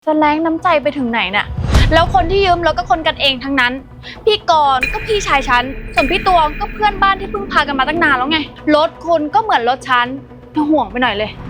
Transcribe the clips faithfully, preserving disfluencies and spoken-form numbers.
จะแรงน้ำใจไปถึงไหนน่ะแล้วคนที่ยืมรถก็คนกันเองทั้งนั้นพี่กรณ์ก็พี่ชายฉันส่วนพี่ตวงก็เพื่อนบ้านที่เพิ่งพากันมาตั้งนานแล้วไงรถคุณก็เหมือนรถฉันน่าห่วงไปหน่อยเลย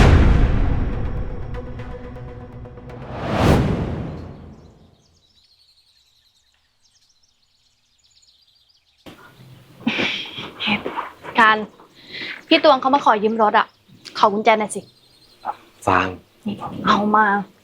การพี่ตวงเขามาขอยืมรถอ่ะขอกุญแจหน่อยสิฟางเอามา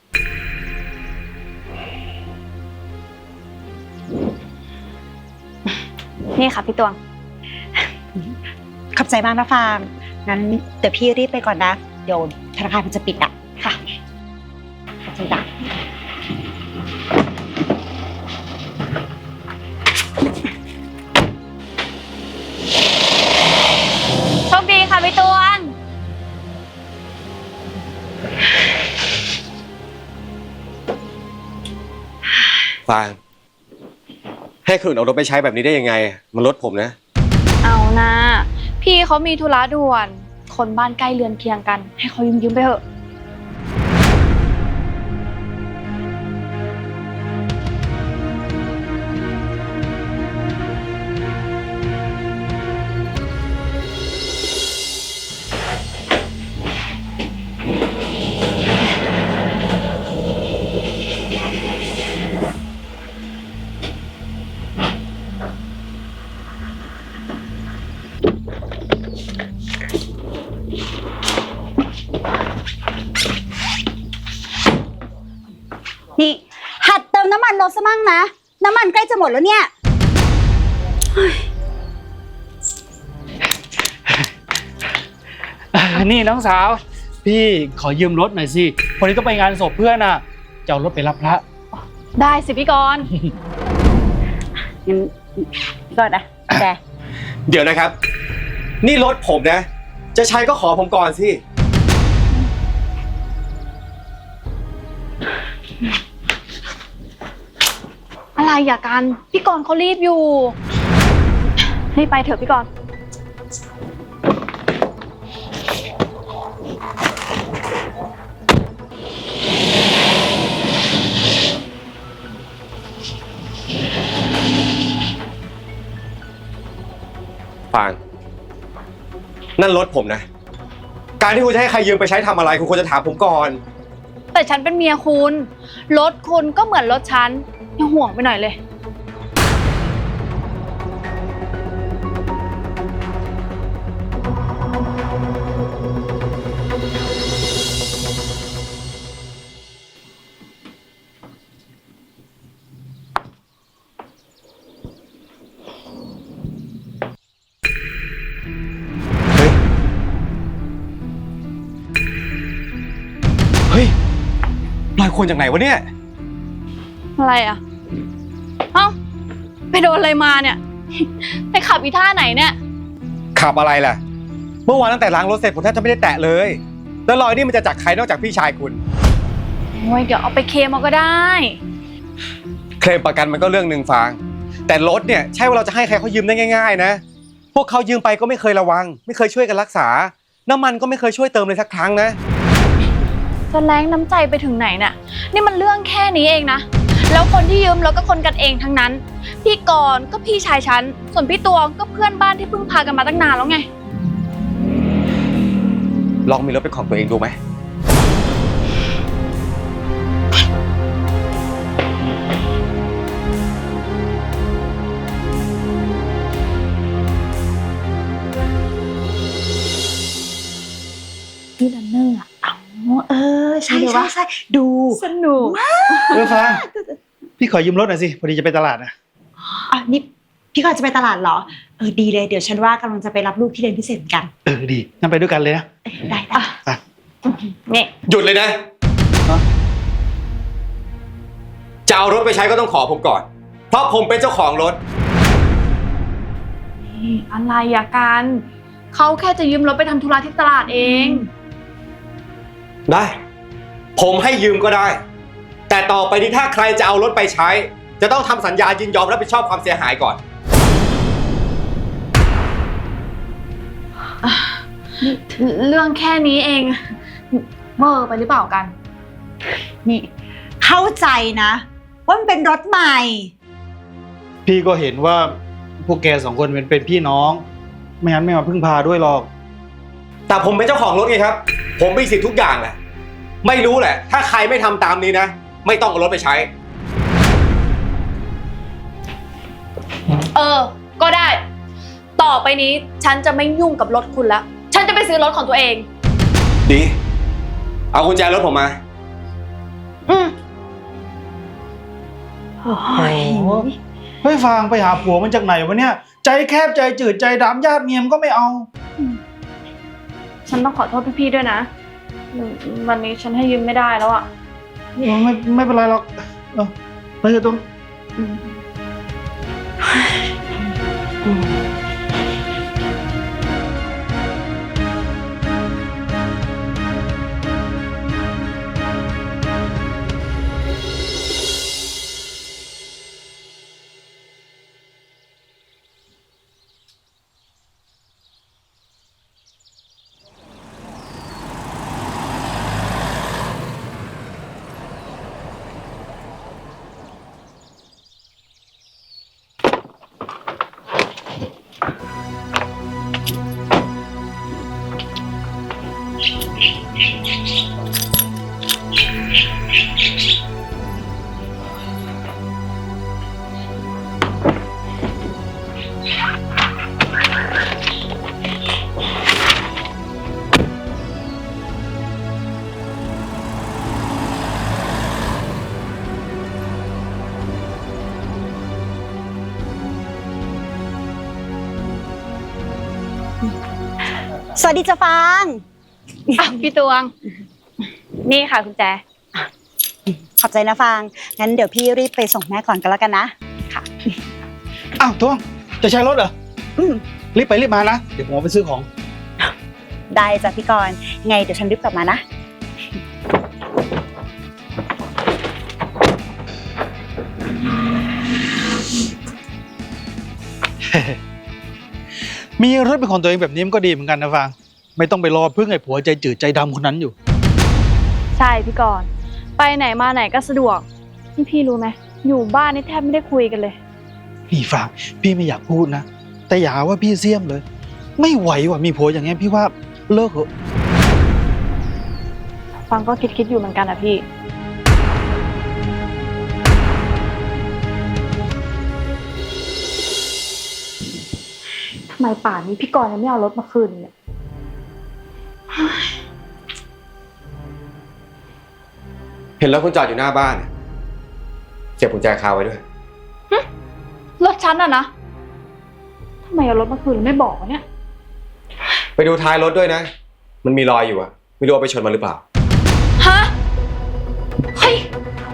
นี่ค่ะพี่ตวงขอบใจมากนะฟางงั้นเดี๋ยวพี่รีบไปก่อนนะเดี๋ยวธนาคารมันจะปิดอ่ะค่ะขอบใจจ้ะโชคดีค่ะพี่ตวงฟางให้คนอื่นเอารถไปใช้แบบนี้ได้ยังไงมันรถผมนะเอานะพี่เขามีธุระด่วนคนบ้านใกล้เรือนเคียงกันให้เขายืมยืมไปเถอะนี่หัดเติมน้ำมันรถซะมั่งนะน้ำมันใกล้จะหมดแล้วเนี่ยนี่น้องสาวพี่ขอยืมรถหน่อยสิวันนี้ต้องไปงานศพเพื่อนอ่ะจะเอารถไปรับพระได้สิพี่กรณ์งั้นก่อนนะแกเดี๋ยวนะครับนี่รถผมนะจะใช้ก็ขอผมก่อนสิอะไรอย่ากันพี่กรณ์เขารีบอยู่รีบไปเถอะพี่กรณ์ฟางนั่นรถผมนะการที่คุณจะให้ใครยืมไปใช้ทำอะไรคุณควรจะถามผมก่อนแต่ฉันเป็นเมียคุณรถคุณก็เหมือนรถฉันน่าห่วงไปหน่อยเลยเฮ้ยลอยคนจากไหนวะเนี่ยอะไรอ่ะเอ้าไปโดนอะไรมาเนี่ยไปขับอีท่าไหนเนี่ยขับอะไรล่ะเมื่อวานตั้งแต่ล้างรถเสร็จผมแทบจะไม่ได้แตะเลยแล้วรอยนี่มันจะจากใครนอกจากพี่ชายคุณโอ้ยเดี๋ยวเอาไปเคลมเอาก็ได้เคลมประกันมันก็เรื่องหนึ่งฟางแต่รถเนี่ยใช่ว่าเราจะให้ใครเขายืมได้ง่ายๆนะพวกเขายืมไปก็ไม่เคยระวังไม่เคยช่วยกันรักษาน้ำมันก็ไม่เคยช่วยเติมเลยสักครั้งนะจะแรงน้ำใจไปถึงไหนน่ะนี่มันเรื่องแค่นี้เองนะแล้วคนที่ยืมรถก็คนกันเองทั้งนั้นพี่กรณ์ก็พี่ชายฉันส่วนพี่ตวงก็เพื่อนบ้านที่เพิ่งพากันมาตั้งนานแล้วไงลองมีรถเป็นของตัวเองดูไหมพี่ดันเนอร์อ่ะเออใช่ใช่ใช่ดูสนุกเออฟางพี่ขอยืมรถหน่อยสิพอดีจะไปตลาดนะอ๋อนี่พี่กรณ์จะไปตลาดเหรอเออดีเลยเดี๋ยวฉันว่ากำลังจะไปรับลูกที่เรียนพิเศษกันเออดีงั้นไปด้วยกันเลยนะได้ได้อ่ะนี่หยุดเลยนะจะเอารถไปใช้ก็ต้องขอผมก่อนเพราะผมเป็นเจ้าของรถอะไรอะกันเขาแค่จะยืมรถไปทำธุระที่ตลาดเองได้ผมให้ยืมก็ได้แต่ต่อไปนี้ถ้าใครจะเอารถไปใช้จะต้องทำสัญญายินยอมรับผิดชอบความเสียหายก่อนเรื่องแค่นี้เองเวอร์ไปหรือเปล่ากันนี่เข้าใจนะว่ามันเป็นรถใหม่พี่ก็เห็นว่าพวกแกสองคนเป็นเป็นพี่น้อง ไม่งั้นไม่มาพึ่งพาด้วยหรอกแต่ผมเป็นเจ้าของรถไงครับ ผมมีสิทธิ์ทุกอย่างแหละ ไม่รู้แหละ ถ้าใครไม่ทำตามนี้นะ ไม่ต้องเอารถไปใช้เออ ก็ได้ ต่อไปนี้ฉันจะไม่ยุ่งกับรถคุณแล้ว ฉันจะไปซื้อรถของตัวเองดี เอากุญแจรถผมมาอืมโอ้โอ้ยโหเฮ้ยฟางไปหาผัวมันจากไหนวะเนี่ย ใจแคบใจจืดใจดำญาติเมียมนก็ไม่เอาฉันต้องขอโทษพี่ๆด้วยนะอืมวันนี้ฉันให้ยืมไม่ได้แล้วอ่ะไม่ไม่เป็นไรหรอกเออไปเถอะตรงสวัสดีจ้ะฟางอ่ะพี่ตวง นี่ค่ะคุณแจขอบใจนะฟาง งั้นเดี๋ยวพี่รีบไปส่งแม่ก่อนกันแล้วกันนะ ค่ะอ้าวทวงจะใช้รถเหรออืมรีบไปรีบมานะ เดี๋ยวผมเอาไปซื้อของได้จ้ะพี่กรณ์ไงเดี๋ยวฉันรีบกลับมานะมีรถเป็นของตัวเองแบบนี้มันก็ดีเหมือนกันนะฟาง ไม่ต้องไปรอพึ่งไอ้ผัวใจจืดใจดำคนนั้นอยู่ใช่พี่กรณ์ไปไหนมาไหนก็สะดวกนี่พี่รู้ไหมอยู่บ้านนี่แทบไม่ได้คุยกันเลยนี่ฟางพี่ไม่อยากพูดนะ แต่อย่าหาว่าพี่เสี้ยมเลย ไม่ไหวว่ะมีผัวอย่างเงี้ยพี่ว่าเลิกเถอะฟังก็คิดคิดๆอยู่เหมือนกันอะพี่ทำไมป่านนี้พี่กรณ์ยังไม่เอารถมาคืนเนี่ยเห็นรถคุณจอดอยู่หน้าบ้านเสียบกุญแจคาไว้ด้วยรถฉันอะนะทำไมเอารถมาคืนแล้วไม่บอกวะเนี่ยไปดูท้ายรถด้วยนะ มันมีรอยอยู่อะไม่รู้ว่าไปชนมันหรือเปล่าฮะ เฮ้ย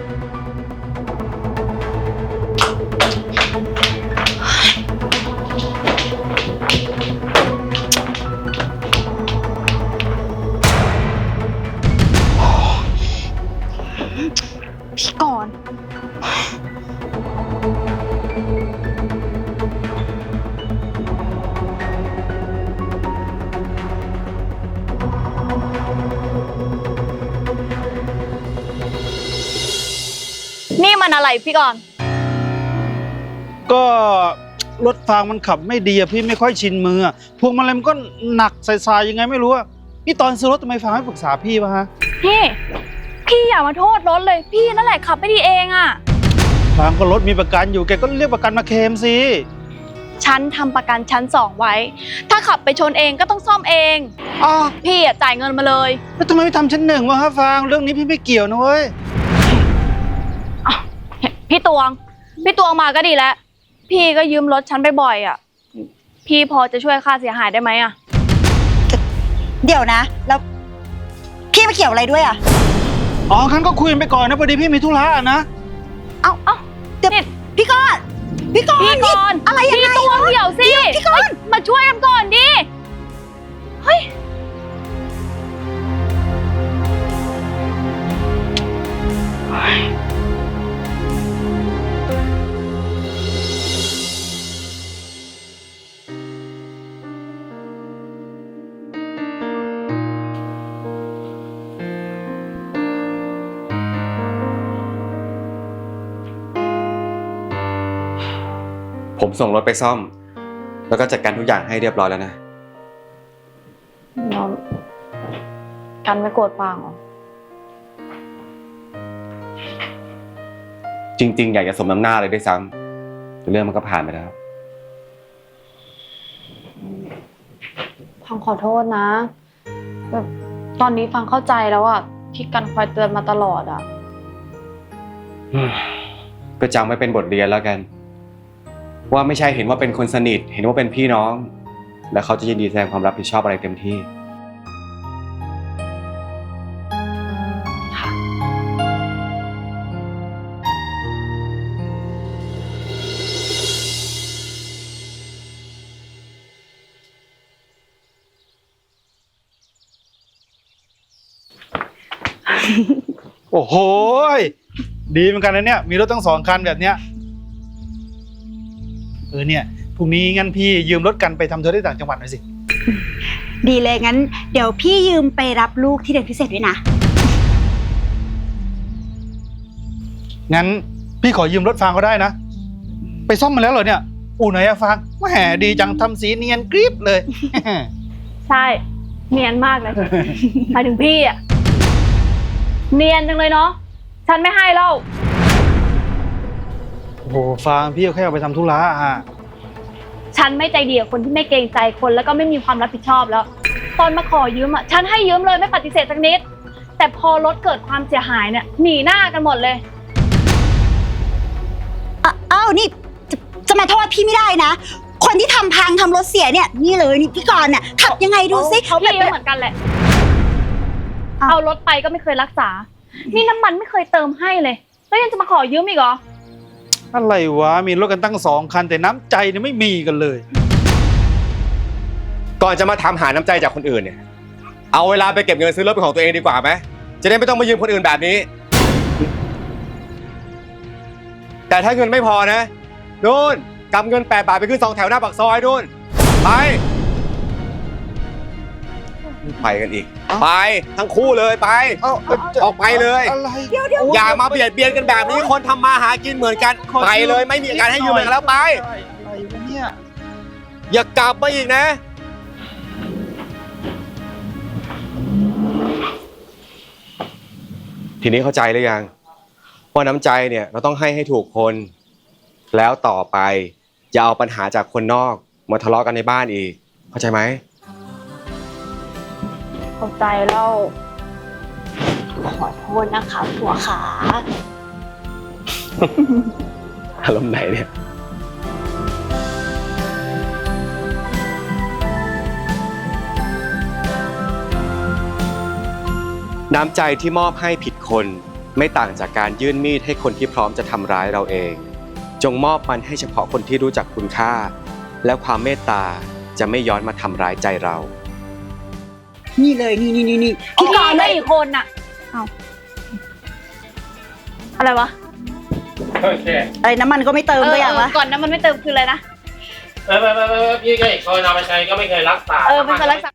พี่กรณ์นี่มันอะไรพี่กรณ์ก็รถฟางมันขับไม่ดีอะพี่ไม่ค่อยชินมืออะพวงมาลัยมันก็หนักใส่ๆยังไงไม่รู้อะนี่ตอนซื้อรถทำไมฟางไม่ปรึกษาพี่วะฮะพี่ พี่อย่ามาโทษรถเลย พี่นั่นแหละขับไม่ดีเองอะฟางก็รถมีประกันอยู่แกก็เรียกประกันมาเคลมสิฉันทำประกันชั้นสองไว้ ถ้าขับไปชนเองก็ต้องซ่อมเองอ้าวพี่อะจ่ายเงินมาเลยแล้วทำไมไม่ทำชั้นหนึ่งวะฮะฟางเรื่องนี้พี่ไม่เกี่ยวนะเว้ยพี่ตวง พี่ตวงมาก็ดีแล้ว พี่ก็ยืมรถฉันไปบ่อยอ่ะ พี่พอจะช่วยค่าเสียหายได้ไหมอ่ะเดี๋ยวนะ แล้วพี่มาเกี่ยวอะไรด้วยอ่ะอ๋องั้นก็คุยกันไปก่อนนะพอดีพี่มีธุระอะนะเอ้าเอ้าเดี๋ยวนี่พี่กรณ์พี่กรณ์พี่นี่ก่อนอะไรยังไงพี่ตวงเดี๋ยวสิพี่กรณ์เฮ้ยมาช่วยกันก่อนดิ เฮ้ยพผมส่งรถไปซ่อม แล้วก็จัดการทุกอย่างให้เรียบร้อยแล้วนะเรากันไม่โกรธฟางเหรอจริง ๆ อยากจะสมน้ำหน้าเลยด้วยซ้ำแต่เรื่องมันก็ผ่านไปแล้วฟังขอโทษนะแบบตอนนี้ฟังเข้าใจแล้วอะที่กันคอยเตือนมาตลอดอะก็จำไว้เป็นบทเรียนแล้วกัน ว่าไม่ใช่เห็นว่าเป็นคนสนิท เห็นว่าเป็นพี่น้อง แล้วเขาจะยินดีแสดงความรับผิดชอบอะไรเต็มที่ค่ะโอ้โหยดีเหมือนกันนะเนี่ยมีรถตั้งสองคันแบบเนี้ยเออเนี่ยพรุ่งนี้งั้นพี่ยืมรถกันไปทำธุระที่ต่างจังหวัดหน่อยสิดีเลยงั้น เดี๋ยวพี่ยืมไปรับลูกที่เรียนพิเศษด้วยนะงั้นพี่ขอยืมรถฟางก็ได้นะ ไปซ่อมมาแล้วเหรอเนี่ยอู่ไหนอะฟางแหมดีจังทำสีเนียนกริบเลยใช่เนียนมากเลย หมายถึงพี่อะเนียนจังเลยเนาะฉันไม่ให้เล่าโอ้โหฟางพี่ก็แค่เอาไปทำธุระอะฉันไม่ใจดีกับคนที่ไม่เกรงใจคนแล้วก็ไม่มีความรับผิดชอบแล้ว ตอนมาขอยืมอ่ะฉันให้ยืมเลยไม่ปฏิเสธสักนิด แต่พอรถเกิดความเสียหายเนี่ยหนีหน้ากันหมดเลยอ่ะอ้าวนี่จะจะมาโทษพี่ไม่ได้นะ คนที่ทำพังทำรถเสียเนี่ยนี่เลยนี่พี่กรณ์น่ะขับยังไงดูซิเขาพี่ก็เหมือนกันแหละ เอารถไปก็ไม่เคยรักษา นี่น้ำมันไม่เคยเติมให้เลย แล้วยังจะมาขอยืมอีกเหรออะไรวะมีรถกันตั้งสองคันแต่น้ำใจเนี่ยไม่มีกันเลยก่อนจะมาทำหาน้ำใจจากคนอื่นเนี่ย เอาเวลาไปเก็บเงินซื้อรถเป็นของตัวเองดีกว่าไหม จะได้ไม่ต้องมายืมคนอื่นแบบนี้ แต่ถ้าเงินไม่พอนะนู่นกำเงินแปดบาทไปขึ้นสองแถวหน้าปากซอยนู่นไป ไปกันอีก ไปทั้งคู่เลยไปเอาเอาออกไปเลยอะไรอย่ามาเบียดเบียนกันแบบนี้ คนทำมาหากินเหมือนกัน ไปเลยไม่มีการให้ยืมกันแล้วไปอะไรวะเนี่ยอย่ากลับมาอีกนะ ทีนี้เข้าใจหรือยังว่าน้ำใจเนี่ยเราต้องให้ให้ถูกคน แล้วต่อไปอย่าเอาปัญหาจากคนนอกมาทะเลาะกันในบ้านอีก เข้าใจไหมเข้าใจแล้วขอโทษนะคะผัวขาอารมณ์ไหนเนี่ยน้ำใจที่มอบให้ผิดคนไม่ต่างจากการยื่นมีดให้คนที่พร้อมจะทำร้ายเราเอง จงมอบมันให้เฉพาะคนที่รู้จักคุณค่า แล้วความเมตตาจะไม่ย้อนมาทำร้ายใจเรานี่เลยนี่นี่นี่นี่พี่พี่กกรรณ์ณ์ได้เลยอีกคนน่ะเอาอะไรวะโอเคอะไรน้ำมันก็ไม่เติมก็อย่างวะก่อนนะมันไม่เติมคืออะไรนะเออไม่ไม่ไม่พี่ก็อีกคนเอาไปใช้ก็ไม่เคยรักษาเออไม่เคยรักษา